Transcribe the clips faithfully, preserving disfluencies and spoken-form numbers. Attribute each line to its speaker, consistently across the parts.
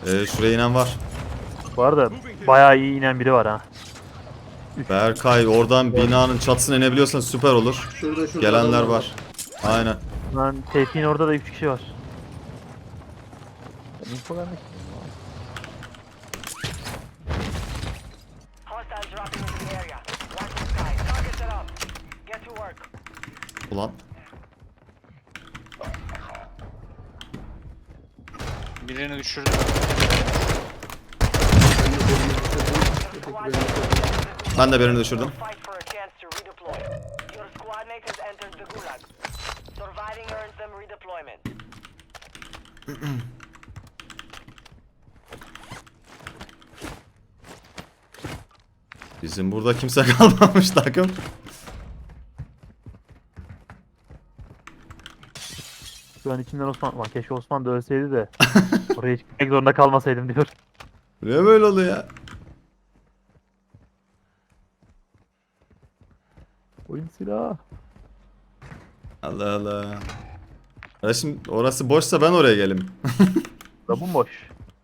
Speaker 1: Ee, şuraya inen var.
Speaker 2: Bu arada bayağı iyi inen biri var ha.
Speaker 1: Berkay oradan binanın çatısına inebiliyorsan süper olur.
Speaker 3: Şurada şurada
Speaker 1: Gelenler
Speaker 3: adamlar
Speaker 1: var. Aynen.
Speaker 2: Lan Tevfik'in orada da üç kişi var. Ben info vermek istiyorum.
Speaker 4: Hostiles dropping into the area. Watch the sky. Target set up. Get to work.
Speaker 1: Ulan.
Speaker 5: Birini düşürdüm.
Speaker 4: Squad mate has entered the
Speaker 1: Ben de birini düşürdüm.
Speaker 4: gulag. Fight for a chance to redeploy. Your squad mate has entered the gulag. Surviving earns them redeployment.
Speaker 1: Bizim burada kimse kalmamış takım.
Speaker 2: Şu an içinden Osman var. Keşke Osman da ölseydi de oraya hiç gitmek zorunda kalmasaydım diyor.
Speaker 1: Ne böyle oluyor ya?
Speaker 2: Oyun silahı.
Speaker 1: Allah Allah. Ya şimdi orası boşsa ben oraya gelim.
Speaker 2: Da bu boş.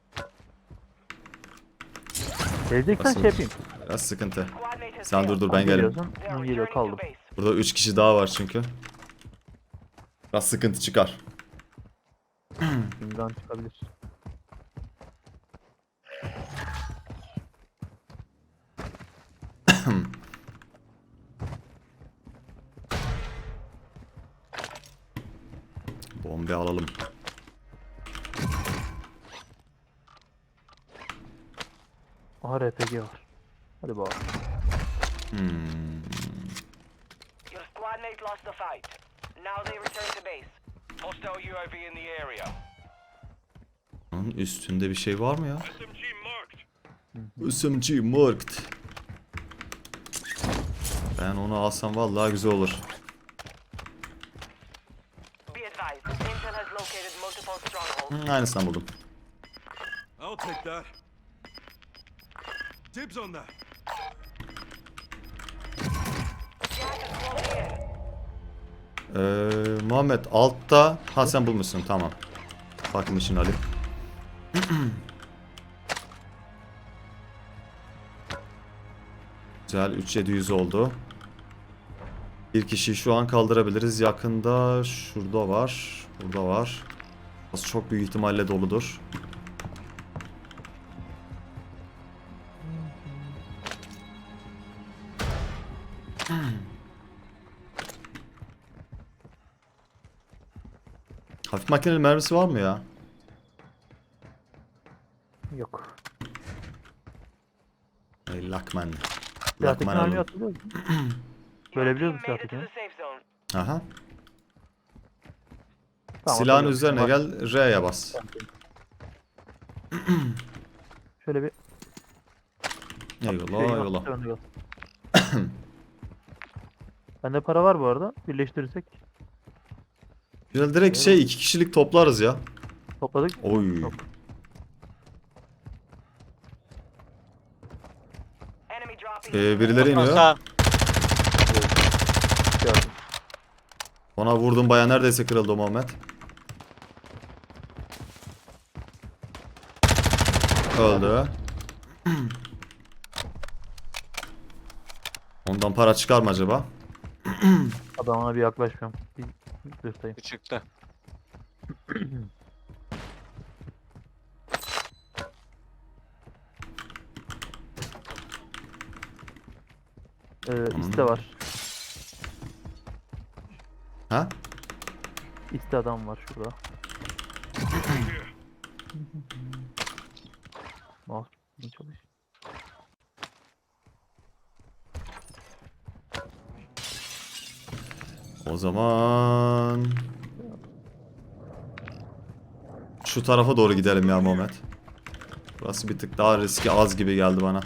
Speaker 2: Geleceksen
Speaker 1: Nasıl?
Speaker 2: şey yapayım.
Speaker 1: Biraz sıkıntı.
Speaker 4: Squad mate has
Speaker 1: Sen dur
Speaker 4: failed.
Speaker 1: dur ben gelirim.
Speaker 2: Geliyorsun,
Speaker 4: They are
Speaker 2: ben geliyor
Speaker 4: returning to
Speaker 2: kaldım.
Speaker 4: base.
Speaker 1: Burada üç kişi daha var çünkü. Biraz sıkıntı çıkar.
Speaker 2: Şimdiden çıkabilir.
Speaker 1: Bombe alalım.
Speaker 2: Aha R P G var. Hadi bakalım.
Speaker 1: Hmm.
Speaker 4: Your squad mate lost the fight. Now they return to base. Hostile U A V in the area.
Speaker 1: Onun üstünde bir şey var mı ya? S M G marked. Ben onu alsam vallahi güzel olur.
Speaker 4: Be advised, Intel has located multiple strongholds.
Speaker 1: Hmm, aynısından buldum.
Speaker 6: I'll take that. Dibs on that.
Speaker 4: Gas is closing in.
Speaker 1: Ee, Muhammed altta. Ha sen bulmuşsun tamam. Bakın işini alayım. Güzel üç yedi yüz oldu. Bir kişiyi şu an kaldırabiliriz. Yakında şurada var. Burada var. Burası çok büyük ihtimalle doludur. Hafif makineli mermisi var mı ya?
Speaker 2: Yok.
Speaker 1: Ey Lakman.
Speaker 2: Siyahtaki
Speaker 1: Lakman
Speaker 2: mermi
Speaker 1: oğlum.
Speaker 2: hatırlıyor musun?
Speaker 4: Your
Speaker 2: Böyle biliyor
Speaker 4: team
Speaker 2: musun
Speaker 4: made it to
Speaker 2: siyahtaki?
Speaker 4: the safe zone.
Speaker 1: Aha.
Speaker 2: Tamam,
Speaker 1: Silahın
Speaker 2: hatırlıyorum.
Speaker 1: üzerine
Speaker 2: Var.
Speaker 1: gel, R'ye bas.
Speaker 2: Şöyle bir
Speaker 1: Eyvallah
Speaker 2: şey
Speaker 1: eyvallah.
Speaker 2: önde gel. Bende para var bu arada. Birleştirirsek
Speaker 1: Güzel direkt şey iki kişilik toplarız ya.
Speaker 2: topladık.
Speaker 1: Oy.
Speaker 2: Yok.
Speaker 4: Enemy dropping.
Speaker 1: Ee, birileri iniyor.
Speaker 5: Sağ.
Speaker 2: Gördüm.
Speaker 1: Ona vurdum baya neredeyse kırıldı o Muhammed. Öldü. Ondan para çıkar mı acaba?
Speaker 2: Adamına bir yaklaşmıyorum. Bir dürteyim.
Speaker 5: Çıktı.
Speaker 2: Ee, iste var.
Speaker 1: Ha?
Speaker 2: İste adam var şurada. Mouse iyi çalış.
Speaker 1: O zaman şu tarafa doğru gidelim ya Muhammed. Burası bir tık daha riski az gibi geldi bana.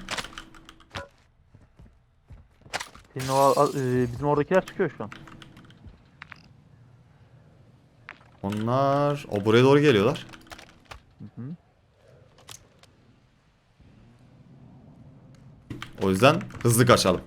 Speaker 2: Senin o a- e, bizim oradakiler çıkıyor şu an.
Speaker 1: Onlar o buraya doğru geliyorlar.
Speaker 2: Hı hı.
Speaker 1: O yüzden hızlı kaçalım.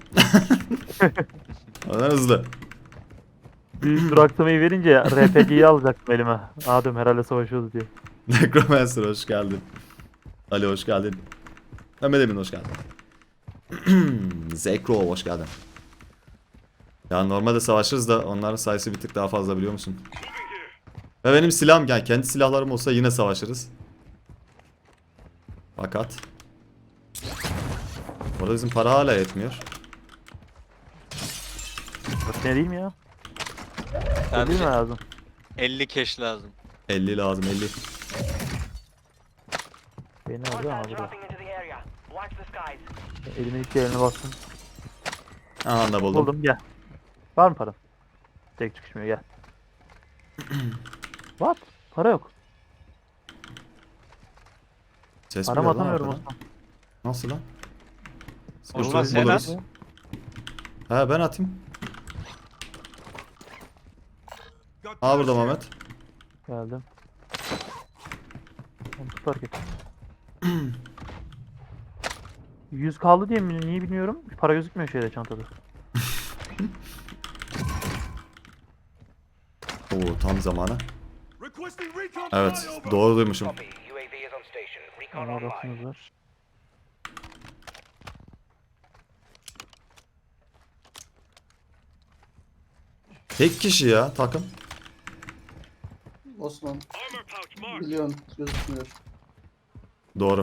Speaker 1: O yüzden hızlı.
Speaker 2: Büyük duraksamayı verince R P G'yi alacaktım elime. Aa diyorum herhalde savaşıyoruz diye.
Speaker 1: Necromancer hoş geldin. Ali hoş geldin. Mehmet Emin hoş geldin. Zekro hoş geldin. Ya normalde savaşırız da onların sayısı bir tık daha fazla biliyor musun? Ve benim silahım yani kendi silahlarım olsa yine savaşırız. Fakat orada bizim para hala yetmiyor.
Speaker 2: Dört tane değil mi ya? Değil mi
Speaker 5: Sadece
Speaker 2: lazım?
Speaker 5: elli keş lazım.
Speaker 1: elli lazım elli.
Speaker 2: Beni aldı ama
Speaker 4: Hostiles
Speaker 2: burada.
Speaker 4: dropping into the area. Watch the skies.
Speaker 2: Elime ilk yerine bastım.
Speaker 1: Aha da buldum.
Speaker 2: Buldum gel. Var mı para? Tek çıkışmıyor gel. What? Para yok.
Speaker 1: Ses
Speaker 2: Para
Speaker 1: mi
Speaker 2: mı
Speaker 1: geliyor lan
Speaker 2: atamıyorum
Speaker 1: arkadan?
Speaker 2: Osman.
Speaker 1: Nasıl lan?
Speaker 5: Osman
Speaker 1: Biz
Speaker 5: sen
Speaker 1: buluruz.
Speaker 5: at.
Speaker 1: He ben atayım.
Speaker 6: Got
Speaker 1: Aa burada
Speaker 6: gas here.
Speaker 1: Mehmet.
Speaker 2: Geldim. Onu tut fark et. yüz kaldı diye mi? Niye bilmiyorum. Para gözükmüyor şeyde çantada.
Speaker 1: Oo tam zamanı.
Speaker 6: Requesting recon
Speaker 1: Evet
Speaker 6: flyover.
Speaker 1: doğru duymuşum.
Speaker 4: Copy. U A V is on station. Recon
Speaker 2: Ama
Speaker 4: online.
Speaker 2: orasınız var.
Speaker 1: Tek kişi ya takım.
Speaker 3: Osman
Speaker 6: Armor pouch marked.
Speaker 3: biliyorsun gözükmüyor.
Speaker 1: Doğru.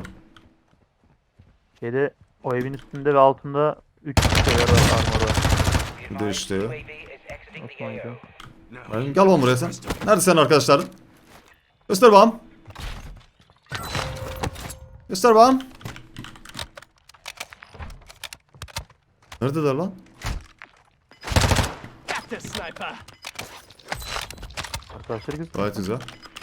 Speaker 2: Şeyde o evin üstünde ve altında üç şeyler var armor var.
Speaker 1: Bir de işte.
Speaker 4: U A V is exiting the
Speaker 2: Osman
Speaker 4: A O.
Speaker 2: gidiyor.
Speaker 6: Now,
Speaker 1: Gel bakalım buraya sen. Nerede senin arkadaşların? Göster bakalım. Göster bakalım. Neredeler lan?
Speaker 2: Arkadaşlar güzel.
Speaker 1: Gayet güzel.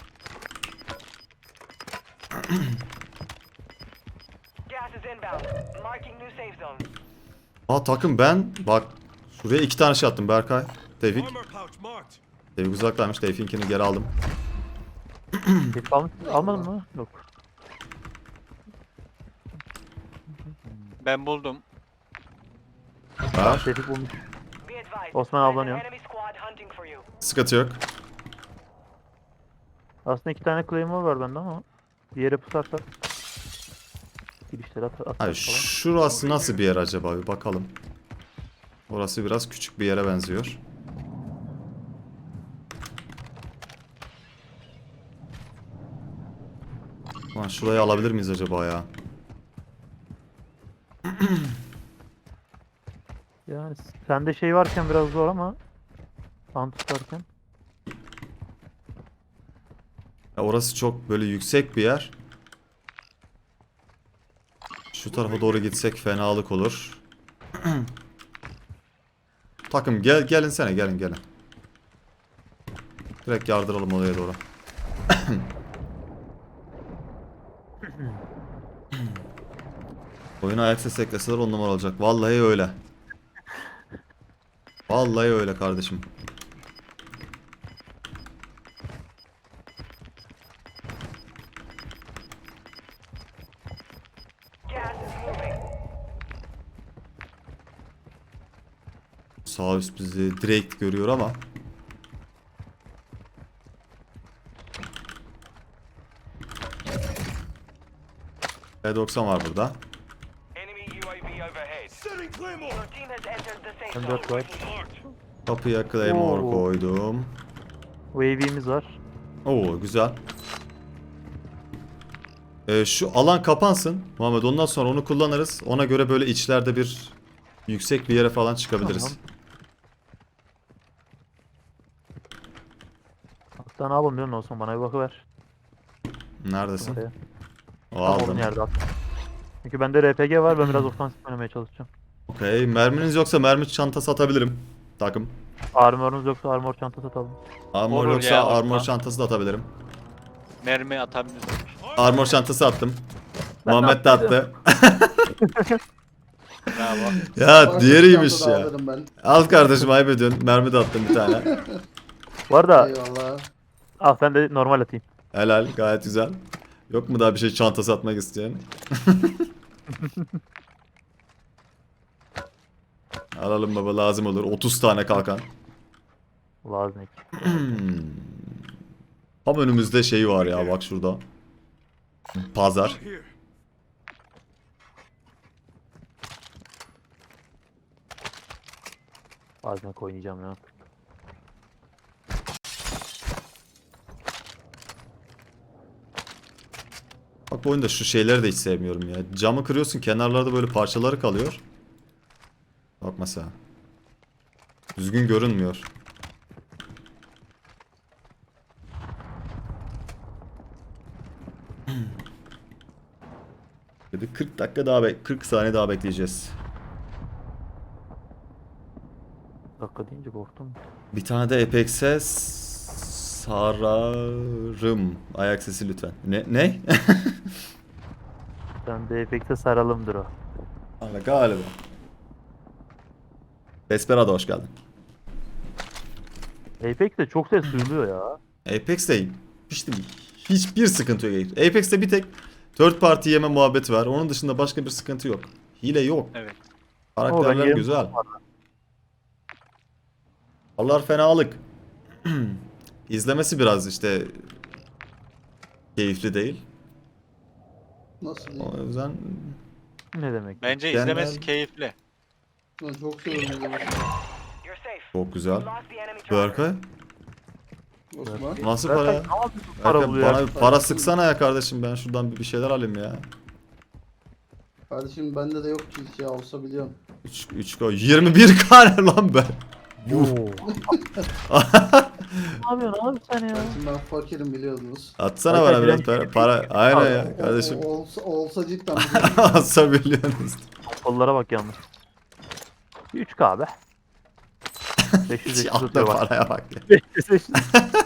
Speaker 4: Gas is inbound. Marking new safe zone.
Speaker 1: Aa takım ben bak şuraya iki tane şey attım Berkay. Tevfik.
Speaker 6: armor pouch marked.
Speaker 1: Tevfik uzaktaymış. Tevfik'inkini geri aldım.
Speaker 2: Gelip almış, almadın mı? Yok.
Speaker 5: Ben buldum.
Speaker 1: Ver.
Speaker 2: Tevfik bulmuş.
Speaker 4: Be advised.
Speaker 2: Osman
Speaker 4: there's an
Speaker 2: avlanıyor.
Speaker 4: enemy squad hunting for you.
Speaker 1: Sıkıntı yok.
Speaker 2: Aslında iki tane claymore var bende ama bir yere pusarsak girişleri at atarız
Speaker 1: Hayır
Speaker 2: falan.
Speaker 1: şurası nasıl bir yer acaba bir bakalım. Orası biraz küçük bir yere benziyor. Lan şurayı alabilir miyiz acaba ya?
Speaker 2: Yani sende şey varken biraz zor ama ant tutarken.
Speaker 1: Ya orası çok böyle yüksek bir yer. Şu tarafa doğru gitsek fenalık olur. Takım gel gelin sene gelin gelin. Direkt yardıralım oraya doğru. Oyuna ayak sesi ekleseler on numara olacak. Vallahi öyle. Vallahi öyle kardeşim.
Speaker 4: Gas is moving.
Speaker 1: Sağ üst bizi direkt görüyor ama. P doksan var burada.
Speaker 4: Enemy U A V overhead.
Speaker 6: Setting claymore.
Speaker 4: Your team has entered the safe
Speaker 2: M
Speaker 4: zone.
Speaker 2: dört var.
Speaker 6: Marked.
Speaker 1: Kapıya Claymore
Speaker 2: Oo.
Speaker 1: koydum.
Speaker 2: Wave'imiz var.
Speaker 1: Oo güzel. Ee, şu alan kapansın Muhammed, ondan sonra onu kullanırız. Ona göre böyle içlerde bir yüksek bir yere falan çıkabiliriz.
Speaker 2: Tamam. Hatta ne yapalım biliyor musun Osman, bana bir bakıver.
Speaker 1: Neredesin?
Speaker 2: Oraya.
Speaker 1: O
Speaker 2: Tam olduğun
Speaker 1: aldım.
Speaker 2: yerde at. Çünkü bende R P G var, ben biraz ofansif oynamaya çalışacağım.
Speaker 1: Okey. Merminiz yoksa mermi çantası atabilirim. Takım.
Speaker 2: Armor'unuz yoksa armor çantası atalım.
Speaker 1: Armor
Speaker 5: Olur
Speaker 1: yoksa
Speaker 5: ya,
Speaker 1: armor
Speaker 5: atma.
Speaker 1: çantası da atabilirim.
Speaker 5: Mermi atabilirsin.
Speaker 1: Armor çantası attım.
Speaker 2: Ben
Speaker 1: Muhammed de
Speaker 2: attıydım.
Speaker 1: attı.
Speaker 5: Bravo.
Speaker 1: Ya
Speaker 3: Bak,
Speaker 1: diğeriymiş
Speaker 3: çantada
Speaker 1: ya.
Speaker 3: alırım ben.
Speaker 1: Al kardeşim ayıp ediyorsun. Mermi de attım bir tane.
Speaker 2: Bu arada
Speaker 3: Eyvallah.
Speaker 2: al sen de normal atayım.
Speaker 1: Helal, gayet güzel. Yok mu daha bir şey çantası atmak isteyen? Alalım baba, lazım olur. otuz tane kalkan.
Speaker 2: Lazım.
Speaker 1: Tam önümüzde şey var ya, bak şurada. Pazar.
Speaker 6: Here.
Speaker 2: Bazen oynayacağım ya.
Speaker 1: Bak bu oyunda şu şeyleri de hiç sevmiyorum ya. Camı kırıyorsun, kenarlarda böyle parçaları kalıyor. Bak mesela. Düzgün görünmüyor. Bir kırk dakika daha bek kırk saniye daha bekleyeceğiz.
Speaker 2: Dakika deyince korktum.
Speaker 1: Bir tane de Apex'e sararım. Ayak sesi lütfen. Ne? Ne?
Speaker 2: Ben de Apex'e saralımdır o.
Speaker 1: Valla galiba. Desperado hoş geldin.
Speaker 2: Apex'te çok ses duyuluyor ya.
Speaker 1: Apex'te işte hiçbir sıkıntı yok. Apex'te bir tek third party yeme muhabbeti var. Onun dışında başka bir sıkıntı yok. Hile yok.
Speaker 5: Evet.
Speaker 1: Karakterler
Speaker 2: yerim-
Speaker 1: güzel. Allah fenalık. İzlemesi biraz işte keyifli değil.
Speaker 3: Nasıl diyeyim?
Speaker 1: O yüzden
Speaker 2: Ne demek?
Speaker 5: Bence
Speaker 1: Genel-
Speaker 5: izlemesi keyifli.
Speaker 3: Ben çok seviyorum izlemeyi.
Speaker 4: You're safe.
Speaker 1: çok güzel.
Speaker 4: Lost the enemy tracker.
Speaker 1: Berkay
Speaker 3: Osman.
Speaker 1: nasıl
Speaker 2: Berkay,
Speaker 1: para?
Speaker 2: ne yapıyorsun para
Speaker 1: Berkay
Speaker 2: buluyor?
Speaker 1: bana bir para sıksana ya kardeşim, ben şuradan bir bir şeyler alayım ya.
Speaker 3: Kardeşim bende de yok ki hiç ya, olsa biliyorum.
Speaker 1: üç üç koy. yirmi bir kare lan ben.
Speaker 2: Oo. Ne yapıyorsun abi sen ya?
Speaker 3: Kardeşim ben fakirim biliyorsunuz.
Speaker 1: Atsana
Speaker 2: Berkay,
Speaker 1: bana biraz
Speaker 2: bilen-
Speaker 1: para. Para. Aynen ya
Speaker 3: O-
Speaker 1: kardeşim.
Speaker 3: o- olsa, olsa cidden biliyorum.
Speaker 1: Atsa biliyorsunuz.
Speaker 2: Kollara bak yalnız. üç K be. beş yüz beş yüz
Speaker 1: Atla
Speaker 2: tutuyor bak.
Speaker 1: paraya bak ya.
Speaker 2: beş yüz beş yüz.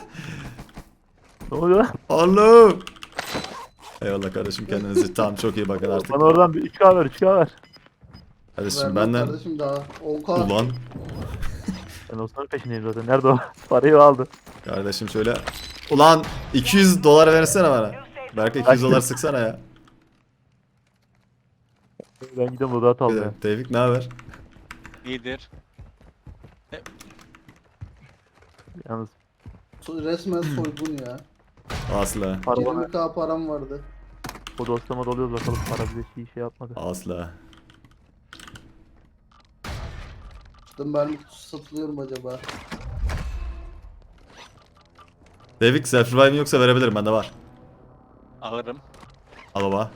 Speaker 2: Ne oluyor lan?
Speaker 1: Oğlum. Eyvallah kardeşim, kendinize tam çok iyi bakın artık.
Speaker 2: Bana oradan bir üç K ver üç K ver.
Speaker 1: Kardeşim
Speaker 3: Vermem
Speaker 1: benden
Speaker 3: Kardeşim daha on K.
Speaker 1: ulan
Speaker 2: Ben Osman'ın peşindeyim zaten. Nerede o? Parayı aldı.
Speaker 1: kardeşim şöyle ulan iki yüz dolar versene bana. Belki iki yüz dolar sıksana ya.
Speaker 2: Ben gidiyorum loadout almaya.
Speaker 1: Tevfik ne haber?
Speaker 5: İyidir.
Speaker 2: Yalnız
Speaker 3: So- Resmen soygun ya.
Speaker 1: Asla.
Speaker 2: para bana.
Speaker 3: yirmi K param vardı.
Speaker 2: O dostlama doluyoruz bakalım. Para bize şey, şey yapmadı.
Speaker 1: Asla.
Speaker 3: Dedim ben satılıyor mu acaba?
Speaker 1: Tevfik self revive'in yoksa verebilirim, bende var.
Speaker 5: Alırım.
Speaker 1: Al baba.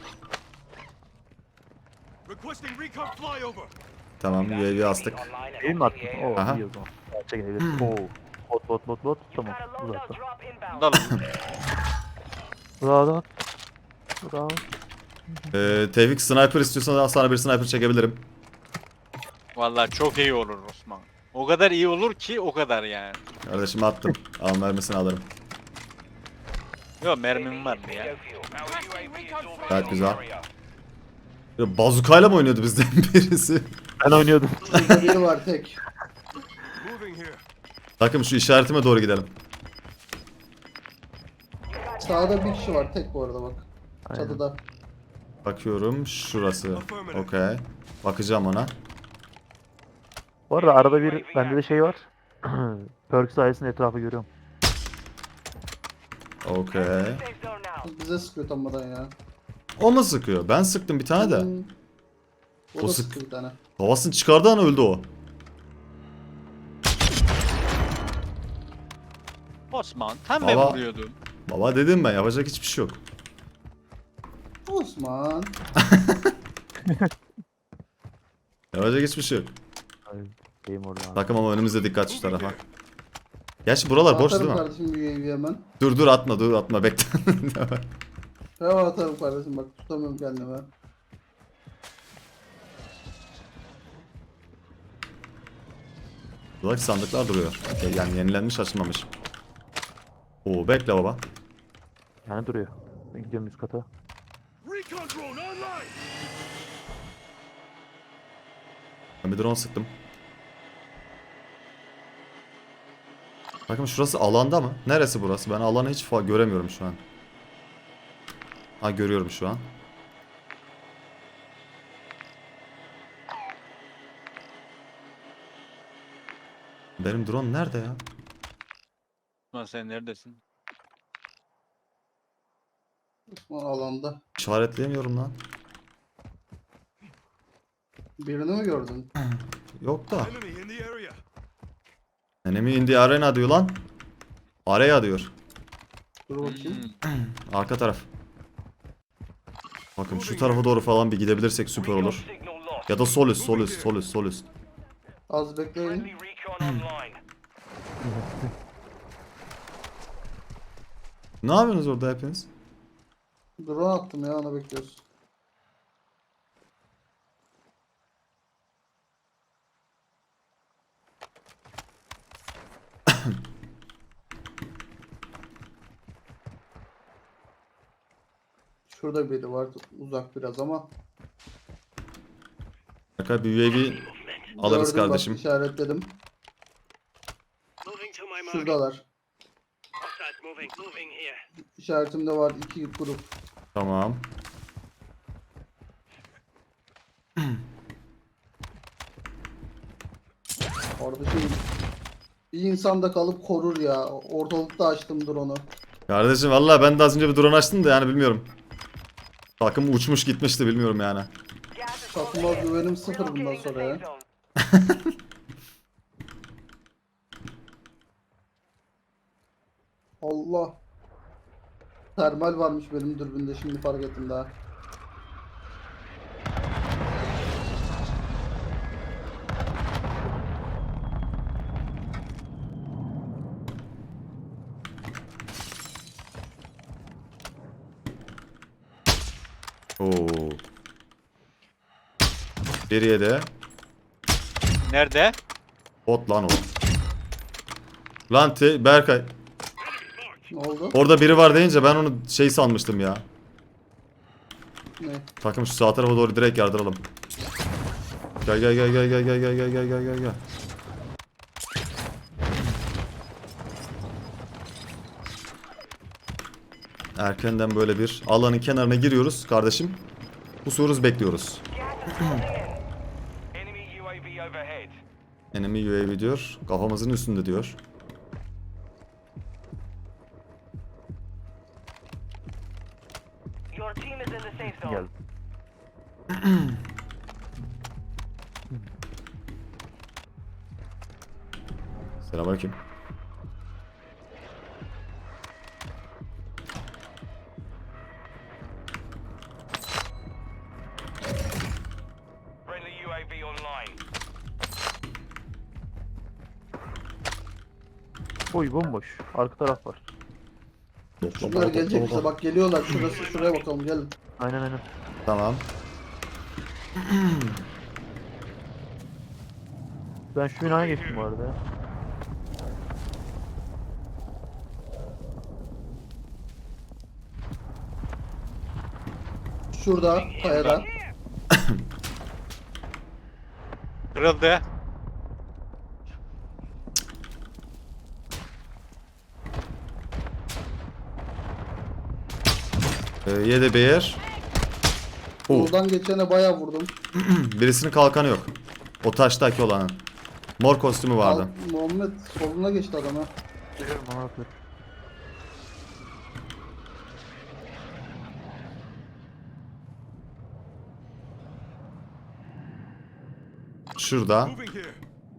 Speaker 6: Requesting recon flyover.
Speaker 1: Tamam U A V astık.
Speaker 4: Online and
Speaker 2: Değil mi
Speaker 4: off
Speaker 2: attın?
Speaker 4: the air.
Speaker 2: Oo
Speaker 1: Aha.
Speaker 2: iyi o zaman. Çekebiliriz. Oo. Bot bot bot bot. Tamam.
Speaker 4: Got a loadout
Speaker 2: Uzakta.
Speaker 4: drop inbound.
Speaker 5: Dalın.
Speaker 2: Bravo. Bravo.
Speaker 1: Ee, Tevfik sniper istiyorsan sana bir sniper çekebilirim.
Speaker 5: Vallahi çok iyi olur Osman. O kadar iyi olur ki o kadar yani.
Speaker 1: Kardeşim attım. Al mermisini alırım.
Speaker 5: Yok mermim var mı ya?
Speaker 1: Gayet güzel. Ya, bazukayla mı oynuyordu bizden birisi?
Speaker 2: Ben oynuyordum.
Speaker 3: Burada biri var tek.
Speaker 6: Moving here.
Speaker 1: Takım şu işaretime doğru gidelim.
Speaker 3: Sağda bir kişi var tek bu arada bak.
Speaker 2: Aynen.
Speaker 3: Çatıda.
Speaker 1: Bakıyorum şurası. Okey. Bakacağım ona.
Speaker 2: Bu arada arada bir bende de şey var. Perk sayesinde etrafı görüyorum.
Speaker 1: Okey.
Speaker 4: Safe zone now.
Speaker 3: Bize sıkıyor tammadan ya.
Speaker 1: O mu sıkıyor? Ben sıktım bir tane de.
Speaker 3: Hmm. O,
Speaker 1: O
Speaker 3: da
Speaker 1: sık-
Speaker 3: sıkıyor bir tane.
Speaker 1: Havasını çıkardığı an öldü o.
Speaker 5: Osman tam ben
Speaker 1: Baba.
Speaker 5: vuruyordum.
Speaker 1: Baba dedim ben, yapacak hiçbir şey yok.
Speaker 3: Osman.
Speaker 1: Yapacak hiçbir şey yok.
Speaker 2: Ay, Şeyim orada. abi.
Speaker 1: Takım ama önümüzde, dikkat şu tarafa. Gerçi buralar boş değil
Speaker 3: Atarım
Speaker 1: mi?
Speaker 3: kardeşim U A V hemen.
Speaker 1: Dur dur atma dur atma bekle.
Speaker 3: Hemen atarım kardeşim bak tutamıyorum kendime.
Speaker 1: Buradaki sandıklar duruyor. Okey, yani yenilenmiş, açılmamış. Oo bekle baba.
Speaker 2: Yani duruyor. Ben gidiyorum üst kata.
Speaker 6: Recon drone online.
Speaker 1: Ben bir drone sıktım. Bakın şurası alanda mı? Neresi burası? Ben alanı hiç fa- göremiyorum şu an. Ha görüyorum şu an. Benim drone nerede ya?
Speaker 5: Osman sen neredesin?
Speaker 3: Osman alanda.
Speaker 1: İşaretleyemiyorum lan.
Speaker 3: Birini mi gördün?
Speaker 1: Yok da.
Speaker 6: Enemy in the area.
Speaker 1: Enemy in the arena diyor lan. Araya diyor.
Speaker 3: Dur bakayım.
Speaker 1: Arka taraf. Bakın şu tarafa doğru falan bir gidebilirsek süper
Speaker 4: Recon
Speaker 1: olur.
Speaker 4: signal lost.
Speaker 1: Ya da sol üst, sol üst, sol üst, sol üst.
Speaker 3: Az bekleyin.
Speaker 4: Friendly recon online.
Speaker 1: Ne yapıyorsunuz orada hepiniz?
Speaker 3: Drone attım ya, ona bekliyoruz. Şurada biri var, uzak biraz ama.
Speaker 1: Arka bir U A V alırız
Speaker 3: Gördüm, bak,
Speaker 1: kardeşim.
Speaker 3: işaretledim.
Speaker 6: Moving to my mark.
Speaker 3: Şuradalar.
Speaker 6: Hostile moving. Moving here.
Speaker 3: İşaretimde var iki grup.
Speaker 1: Tamam.
Speaker 3: Kardeşim bir insan da kalıp korur ya. Ortalıkta açtım drone'u.
Speaker 1: Kardeşim vallahi ben de az önce bir drone açtım da yani bilmiyorum. Takım uçmuş gitmişti bilmiyorum yani.
Speaker 4: Gas is
Speaker 3: Takıma
Speaker 4: closing in.
Speaker 3: güvenim sıfır bundan
Speaker 4: Relocating the
Speaker 3: sonra ya.
Speaker 4: safe zone.
Speaker 3: Allah. Termal varmış benim dürbünde, şimdi fark ettim daha.
Speaker 1: Oo. Geriye de
Speaker 5: Nerede?
Speaker 1: bot lan o. Lan te Berkay.
Speaker 3: Ne oldu?
Speaker 1: Orada biri var deyince ben onu şey sanmıştım ya.
Speaker 3: Ne?
Speaker 1: Takım şu sağ tarafa doğru direkt yardıralım. Gel gel gel gel gel gel gel gel gel gel gel gel. Erkenden böyle bir alanın kenarına giriyoruz kardeşim. Pusuyoruz, bekliyoruz.
Speaker 4: Gas is closing in. Enemy U A V overhead.
Speaker 1: Enemy U A V diyor. Kafamızın üstünde diyor.
Speaker 4: Your team is in the safe zone.
Speaker 2: Geldi.
Speaker 1: Selamünaleyküm.
Speaker 4: Friendly U A V online.
Speaker 2: Boy bomboş. Arka taraf var.
Speaker 3: Şunlar gelecek bize, bak geliyorlar, şurası, şuraya bakalım, gelin.
Speaker 2: Aynen aynen.
Speaker 1: Tamam.
Speaker 2: Ben şu binaya geçtim bu arada ya.
Speaker 3: Şurada, kayada.
Speaker 5: Kırıldı.
Speaker 1: Ee, yedi bir yer. Oo.
Speaker 3: Buradan geçene bayağı vurdum.
Speaker 1: Birisinin kalkanı yok. O taştaki olanın. Mor kostümü vardı.
Speaker 3: Al, Muhammed soluna geçti adama.
Speaker 2: Biliyorum bana atıyor.
Speaker 1: Şurada.
Speaker 6: Moving here.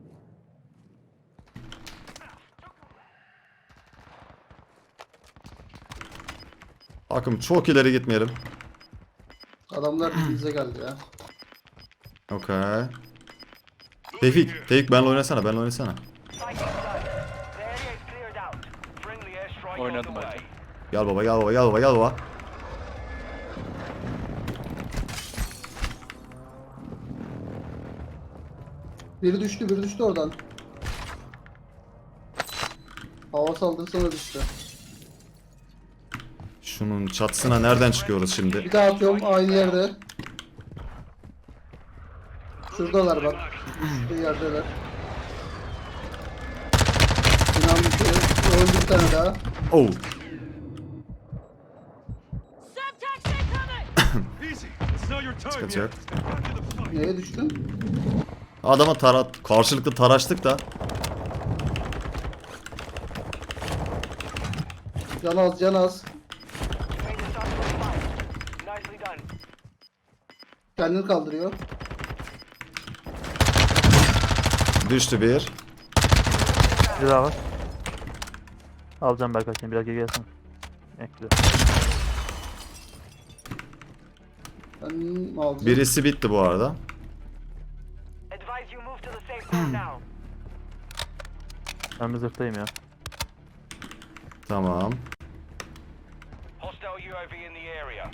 Speaker 1: Bakın çok ileri gitmeyelim.
Speaker 3: Adamlar bize geldi ya.
Speaker 1: Okay. Tevfik, Tevfik benle oynasana, benle oynasana.
Speaker 4: Fighting done. The area is cleared out. Friendly airstrike on the
Speaker 5: Oynadım
Speaker 4: way.
Speaker 5: hadi.
Speaker 1: Gel baba, gel baba, gel baba, gel baba.
Speaker 3: Biri düştü, biri düştü oradan. Hava saldırısına düştü.
Speaker 1: Şunun çatısına nereden çıkıyoruz şimdi?
Speaker 3: Bir daha atıyorum, aynı yerde. Şuradalar bak. Şu yerdeler. Binanın içi. Öldü bir tane daha.
Speaker 1: Oh.
Speaker 6: Easy. It's not your time
Speaker 1: Sıkıntı yok.
Speaker 6: yet. Step back to the fight.
Speaker 3: Neye düştün?
Speaker 1: Adama tarat, karşılıklı taraştık da.
Speaker 3: Can az, can az.
Speaker 4: You made the start for the fight. Nicely done.
Speaker 3: Kendini kaldırıyor.
Speaker 1: Düştü bir.
Speaker 2: Bir daha var. Alacağım Berkay seni biraz geri gelsin. Ekle.
Speaker 3: Ben alacağım.
Speaker 1: Birisi bitti bu arada.
Speaker 4: Advise you move to the safe zone now.
Speaker 2: Ben bir zırhtayım ya.
Speaker 1: Tamam.
Speaker 4: Hostile U A V in the area.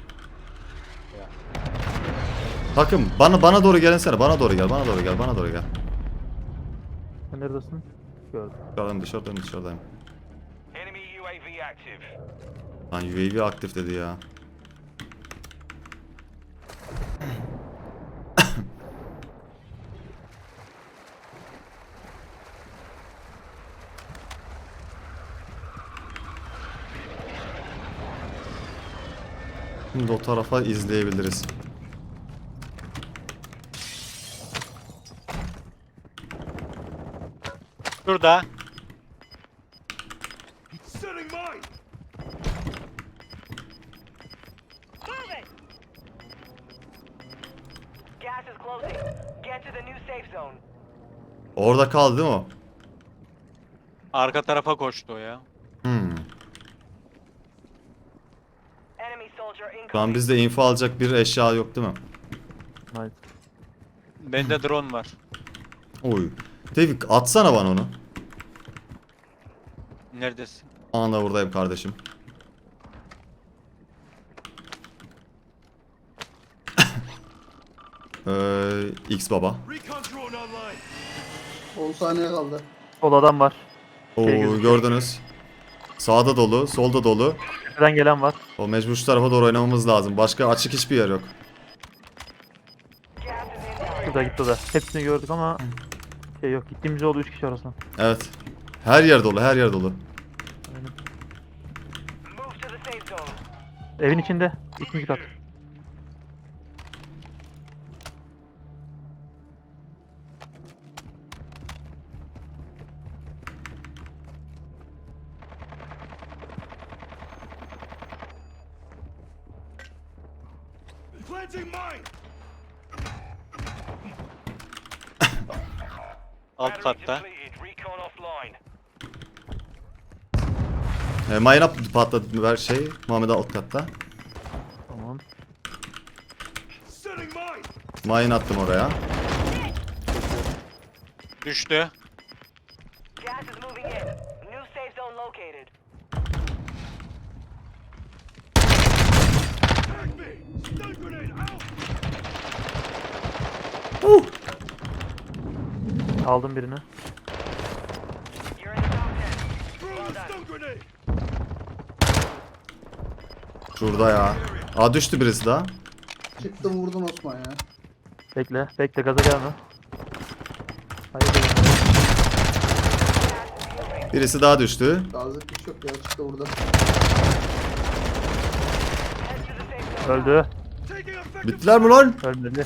Speaker 1: Takım bana bana doğru gelinsene. Bana doğru gel. Bana doğru gel. Bana doğru gel.
Speaker 2: Sen neredesin? Gördüm.
Speaker 1: Dışarıdayım dışarıdayım dışarıdayım.
Speaker 4: Enemy U A V active.
Speaker 1: Lan U A V aktif dedi ya. Şimdi o tarafa izleyebiliriz.
Speaker 5: Şurada.
Speaker 6: Setting mine.
Speaker 4: Gas is closing. Get to the new safe zone.
Speaker 1: Orada kaldı değil mi o?
Speaker 5: Arka tarafa koştu o ya.
Speaker 1: Hmm.
Speaker 4: Enemy soldier
Speaker 1: Şu an
Speaker 4: incoming.
Speaker 1: bizde info alacak bir eşya yok değil mi?
Speaker 2: Nice.
Speaker 5: Bende drone var.
Speaker 1: Oy. Tevfik atsana bana onu.
Speaker 5: Neredesin?
Speaker 1: Anında buradayım kardeşim. ee, X baba.
Speaker 6: Recon drone online.
Speaker 3: on saniye kaldı.
Speaker 2: Sol adam var.
Speaker 1: Oo
Speaker 2: Şey gözüküyor.
Speaker 1: gördünüz. Sağda dolu, solda dolu.
Speaker 2: Tepeden gelen var.
Speaker 1: O mecbur şu tarafa doğru oynamamız lazım. Başka açık hiçbir yer yok.
Speaker 4: Gas is inbound.
Speaker 2: Şurada gitti o da. Hepsini gördük ama şey yok. Gittiğimiz oldu üç kişi arasında.
Speaker 1: Evet. Her yer dolu, her yer dolu.
Speaker 4: Move to the safe zone.
Speaker 2: Evin içinde. İkinci kat.
Speaker 6: Planting mine.
Speaker 5: Alt
Speaker 4: Battery
Speaker 5: katta.
Speaker 4: depleted. Recon offline.
Speaker 1: E, mayına patladı ver şey. Muhammed alt katta.
Speaker 2: Tamam.
Speaker 6: Setting mine.
Speaker 1: Mayın attım oraya.
Speaker 5: Düştü.
Speaker 4: Gas is moving in. New safe zone located.
Speaker 6: Tag me. Stun grenade out.
Speaker 2: Aldım birini.
Speaker 4: You're in the top ten.
Speaker 6: Throw the stun grenade.
Speaker 1: Şurada ya. Aa düştü birisi daha.
Speaker 3: Çıktım vurdun Osman ya.
Speaker 2: Bekle. Bekle gaza gelme. Hayır.
Speaker 1: Birisi daha düştü.
Speaker 3: Gazlık bir şey yok ya. Çıktı burada.
Speaker 4: Head to the safe zone.
Speaker 2: Öldü.
Speaker 6: Taking effective.
Speaker 1: Bittiler mi lan?
Speaker 2: Ölmedi.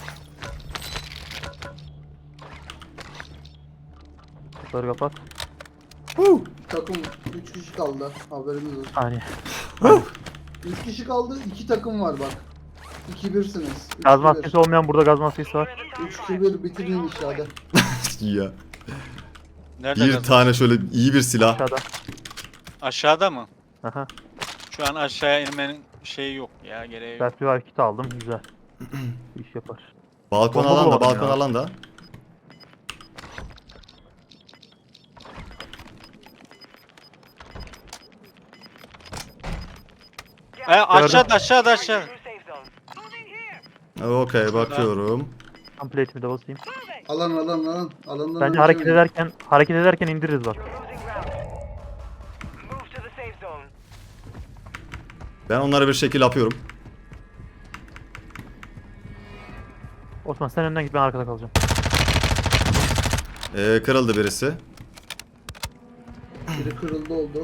Speaker 2: Kapıları kapat.
Speaker 1: Huu.
Speaker 3: Takım üç kişi kaldı. Haberiniz olsun.
Speaker 2: Saniye.
Speaker 3: üç kişi kaldı. iki takım var bak. iki birsiniz.
Speaker 2: Gaz maskesi olmayan burada gaz maskesi var.
Speaker 3: üç iki bir bitirin iş hadi.
Speaker 1: Ya.
Speaker 5: Nerede
Speaker 1: Bir
Speaker 5: gaz-
Speaker 1: tane şöyle iyi bir silah.
Speaker 2: Aşağıda.
Speaker 5: Aşağıda mı?
Speaker 2: Aha.
Speaker 5: Şu an aşağıya inmenin şeyi yok ya, gereği yok.
Speaker 2: Selfie var kit aldım. Güzel. İş yapar.
Speaker 1: Balkon
Speaker 2: Bomba
Speaker 1: alan da,
Speaker 2: bulamadım
Speaker 1: balkon
Speaker 2: ya.
Speaker 1: alan da.
Speaker 5: E, aşağıda aşağıda aşağı.
Speaker 4: New safe zone.
Speaker 1: Okey bakıyorum.
Speaker 2: Tam plate'imi de basayım.
Speaker 3: Alan alan alan. Alandan
Speaker 2: Bence
Speaker 3: önce
Speaker 2: hareket
Speaker 3: oynayın.
Speaker 2: ederken hareket ederken indiririz bak.
Speaker 4: You're losing ground. Move to the safe zone.
Speaker 1: Ben onlara bir şekil yapıyorum.
Speaker 2: Osman sen önden git ben arkada kalacağım.
Speaker 1: Ee, kırıldı birisi.
Speaker 3: Biri kırıldı oldu.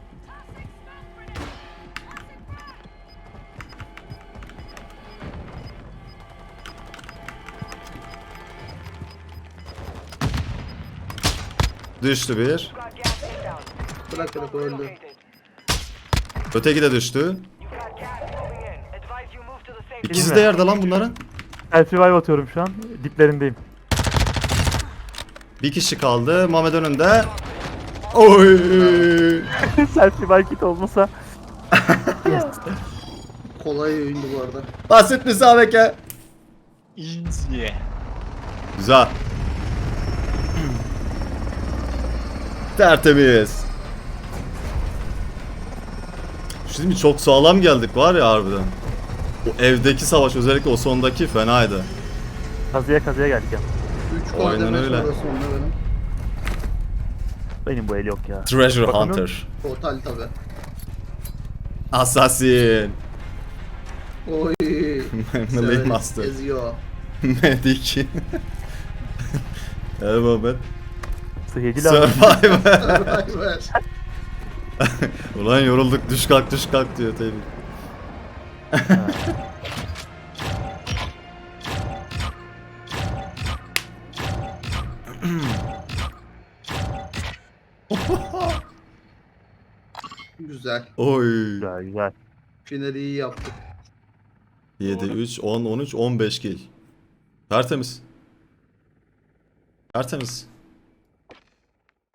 Speaker 1: Düştü bir.
Speaker 4: You've got gas inbound.
Speaker 3: Bırak bırak öldü.
Speaker 4: Located.
Speaker 1: Öteki de düştü.
Speaker 4: You've got gas moving in. Advise you move to the safe
Speaker 1: İkisi
Speaker 4: zone.
Speaker 1: de yerde lan bunların.
Speaker 2: Self revive atıyorum şu an. Diplerindeyim.
Speaker 1: Bir kişi kaldı. Muhammed önünde. Oy.
Speaker 2: Selfie market olmasa. Yes.
Speaker 3: Kolay oyundu bu arada.
Speaker 1: Basit müsabeke.
Speaker 5: Easy.
Speaker 1: Güzel. Tertemiz. Şimdi çok sağlam geldik var ya harbiden. O evdeki savaş, özellikle o sondaki fenaydı.
Speaker 2: Kazıya kazıya geldik ya.
Speaker 3: üç
Speaker 1: Aynen
Speaker 3: kademe
Speaker 1: öyle.
Speaker 3: sonra sonunda benim.
Speaker 2: Benim bu el yok ya.
Speaker 1: Treasure
Speaker 2: Bakalım.
Speaker 1: Hunter.
Speaker 3: Total tabi.
Speaker 1: Assassin.
Speaker 3: Oy.
Speaker 1: Melee
Speaker 3: Severiz,
Speaker 1: Master.
Speaker 3: Eziyor.
Speaker 1: Medic. Evet Muhammed.
Speaker 2: Sıhhici lazım.
Speaker 1: Survivor.
Speaker 3: Vay be.
Speaker 1: Ulan yorulduk, düş kalk düş kalk diyor tabii.
Speaker 3: Güzel.
Speaker 1: Oy.
Speaker 2: Güzel güzel.
Speaker 3: Finali iyi yaptık.
Speaker 1: yedi, üç, on, on üç, on beş kill. Tertemiz. Tertemiz.